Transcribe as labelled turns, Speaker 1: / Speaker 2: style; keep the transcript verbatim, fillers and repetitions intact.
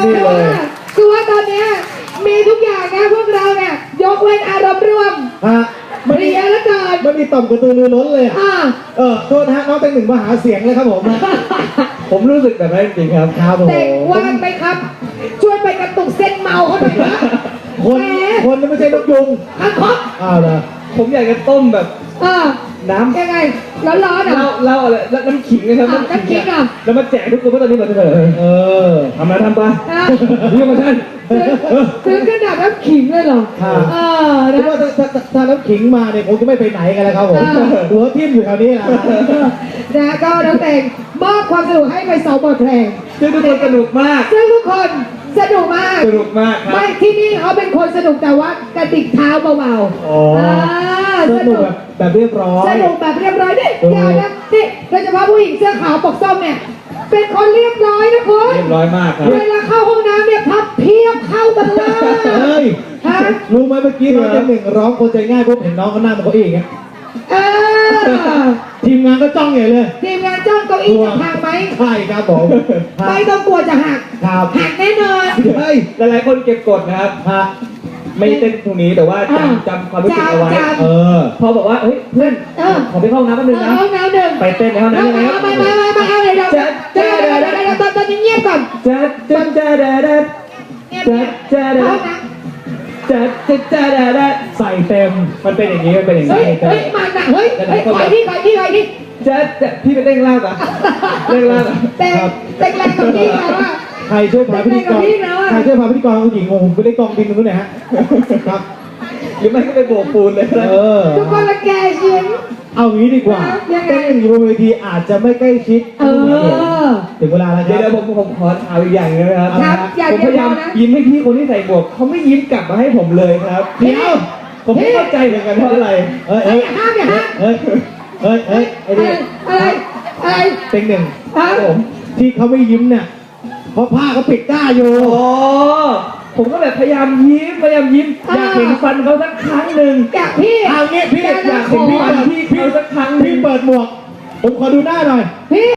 Speaker 1: นี่เลย
Speaker 2: คือว่าตอนเนี้ยมีทุกอย่างนะพวกเราเนี่ยยกเว้นอารมณ์ร่วม
Speaker 1: ฮะ
Speaker 2: เรียแล้วกัน
Speaker 1: ไม่มีต่อมกระตือรือร้นเลยอะ
Speaker 2: อ่า
Speaker 1: เออโทษนะฮะน้องแตงหนึ่งมาหาเสียงเลยครับผม
Speaker 3: ผมรู้สึกแบบนั้นจริงๆครับ
Speaker 1: ครับผม
Speaker 2: เด็กว่างไหมครับ ช่วยไปกระตุกเส้นเมาเขาหน่อยนะ
Speaker 1: คน
Speaker 2: แหม
Speaker 1: คนไม่ใช่นกยุง
Speaker 2: อังคบ
Speaker 1: อ้าวเหรอ
Speaker 3: ผมอยากจะต้มแบบ
Speaker 2: อ่า
Speaker 3: น้ำ
Speaker 2: ยังไงร้อนๆ
Speaker 3: เหล้า
Speaker 2: อ่ะ
Speaker 3: เหล้าอะไรแล้วน้ำขิงนะครับ
Speaker 2: อ่ะน้ำขิงอ่ะ
Speaker 3: แล้วมาแจกทุกคนเพราะตอนนี้แบบเถอะ
Speaker 1: เออ
Speaker 3: ทำมาทำไป
Speaker 2: อ่ะ
Speaker 3: นี่มาท่าน
Speaker 2: ซื้อขนาดน้ำขิงเลยเหรอ
Speaker 1: ค่ะ
Speaker 2: เออ
Speaker 1: เพ
Speaker 2: นะ
Speaker 1: ราะว่าถ้าถ้าถ้าน้ำขิงมาเนี่ยผมก็ไม่ไปไหนกันแล้วครับผม
Speaker 2: อ่า
Speaker 1: หัวทิ่มอยู่แถวนี้แหละ
Speaker 2: นะก็น้องเตงมอบความสนุกให้ไปสองบทเพลง
Speaker 3: ซึ่งทุกคนสนุกมาก
Speaker 2: ซึ่งทุกคนสนุกมาก
Speaker 3: สนุกมากครับ
Speaker 2: ไม่ที่นี่เขาเป็นคนสนุกแต่ว่ากระดิกเท้าเบาๆ
Speaker 1: อ๋อ
Speaker 2: อ่า
Speaker 1: ส
Speaker 2: ส
Speaker 1: นุ
Speaker 2: นุ
Speaker 1: ก
Speaker 2: ก
Speaker 1: แบบแบบเรียบร้อย
Speaker 2: สนุกแบบเรียบร้อยนี่
Speaker 1: เออ
Speaker 2: อย่านะนี่โดยเฉพาะผู้หญิงเสื้อขาวปกส้มเนี่ยเป็นคนเรียบร้อยนะคุณ
Speaker 3: เรียบร้อยมากครับ
Speaker 2: เวลาเข้าห้องน้ำเนี่ยพับเพียบเข้ามาเลย
Speaker 1: เฮ้ย
Speaker 2: ฮะ
Speaker 1: รู้ไหมเมื่อกี้น้องแตงหนึ่งร้องคนใจง่ายปุ๊บเห็นน้องเขานั่งบนเก้าอี้อย่างเงี้ย
Speaker 2: เออ
Speaker 1: ทีมงานก็จ้องใหญ่เลย
Speaker 2: ทีมงานจ้องเก้าอี้จะพังไหม
Speaker 1: ใช่ครับผม
Speaker 2: ไม่ต้องกลัวจะหัก
Speaker 1: ครับ
Speaker 2: หักแน่นอน
Speaker 1: เฮ้ย
Speaker 3: หลายๆคนเก็บกดนะครับ
Speaker 1: ฮะ
Speaker 3: ไม่เต้นตรงนี้แต่ว่า
Speaker 2: อ่า
Speaker 3: จำจำความรู้สึกเอาไว้
Speaker 2: จำ
Speaker 1: เออ
Speaker 3: พอบอกว่าเฮ้ยเพื่อน
Speaker 2: เออ
Speaker 3: ขอไปเข้าห้องน้ำแป๊บนึงนะ
Speaker 2: ห้องน้ำหนึ่ง
Speaker 3: ไปเต้นในห้องน้ำยังไงครับ
Speaker 2: ไม่ไม่ไม่ไม่เอาเลยเดี๋ยวเดี๋ยวเดี๋ยวเดี๋ยวเดี๋ยวตอนตอนนี้เงียบก่อน
Speaker 3: จัดจัดจัดจัด
Speaker 2: เงียบ
Speaker 3: จั
Speaker 2: เงีย
Speaker 3: ด
Speaker 2: บ
Speaker 3: จัด
Speaker 2: ห้องน้
Speaker 3: จัดจัดจัดจัด
Speaker 1: ใส่เต็ม
Speaker 3: มันเป็นอย่างนี้มันเป็นอย่าง
Speaker 2: ำเฮ้
Speaker 3: นี้
Speaker 2: ยเฮ้ยมาหนักเฮ้ยเฮ้ยขอที่ขอที่ขอที่
Speaker 3: จัดจัดพี่ไปเต้นล่างอ่ะเต้นล่างอ่ะ
Speaker 2: เต็มเต็มแรงกับพี่แล้วอ่ะ
Speaker 1: ใครช่วยพาพิธีกร
Speaker 2: เป็นไงกับพี่แล้วอะ
Speaker 1: ใครช่วยพาพิธีกรผู้หญิงงงไปได้กองบินตรงนู้นหน่อยฮะ ครับ
Speaker 3: หรือไม่ก็ไปโบกปูนเลย
Speaker 1: เออ
Speaker 2: ทุกคนละแกยิ้ม
Speaker 1: เอางี้ดีกว่า
Speaker 2: ยังไง
Speaker 1: เต้นหนึ่งอยู่บนเวทีอาจจะไม่ใกล้ชิด
Speaker 2: เออ
Speaker 1: ถึงเวลาแล้วค
Speaker 3: เดี๋ยว
Speaker 1: รับ
Speaker 3: เดี๋ยวผมผมขอถามอีกอย่างนึงนะครับ
Speaker 2: ครับอย่า
Speaker 3: ผม
Speaker 2: เดี
Speaker 3: พ
Speaker 2: ยวย
Speaker 3: ายาม
Speaker 2: นะ
Speaker 3: ยิ้มให้พี่คนที่ใส่หมวกเขาไม่ยิ้มกลับมาให้ผมเลยครับ
Speaker 1: เดี๋ยว
Speaker 3: ผมไม่เข้าใจเหมือนกันเพราะอะไร
Speaker 1: เฮ้ย
Speaker 2: เฮ้
Speaker 1: เฮ้
Speaker 2: ย
Speaker 1: ย
Speaker 2: อย่าห้ามอย่าห้าม
Speaker 1: เฮ้ยเฮ้ยเฮ้ยไอ้
Speaker 2: อะไร
Speaker 1: นี่
Speaker 2: อะไรอะไร
Speaker 1: เต็งหนึ่ง
Speaker 2: ฮะ
Speaker 3: ผม
Speaker 1: ที่เขาไม่ยิ้มเนี่ยเพราะผ้าเขาปิดหน้าอยู่
Speaker 3: อ๋อผมก็แบบพยายามยิ้มพยายามยิ้มอยากเห็นฟันเขาสักครั้งหนึ่ง
Speaker 2: อยากพี่
Speaker 1: เอางี้พี่
Speaker 2: อยาก
Speaker 1: อยากเห็นพี่
Speaker 3: ฟัน
Speaker 1: เปิด
Speaker 3: พี่เขาสักครั้งหนึ่
Speaker 1: พี่
Speaker 3: ง
Speaker 1: เปิดหมวก ผมขอดูหน้าหน่อย
Speaker 2: พี่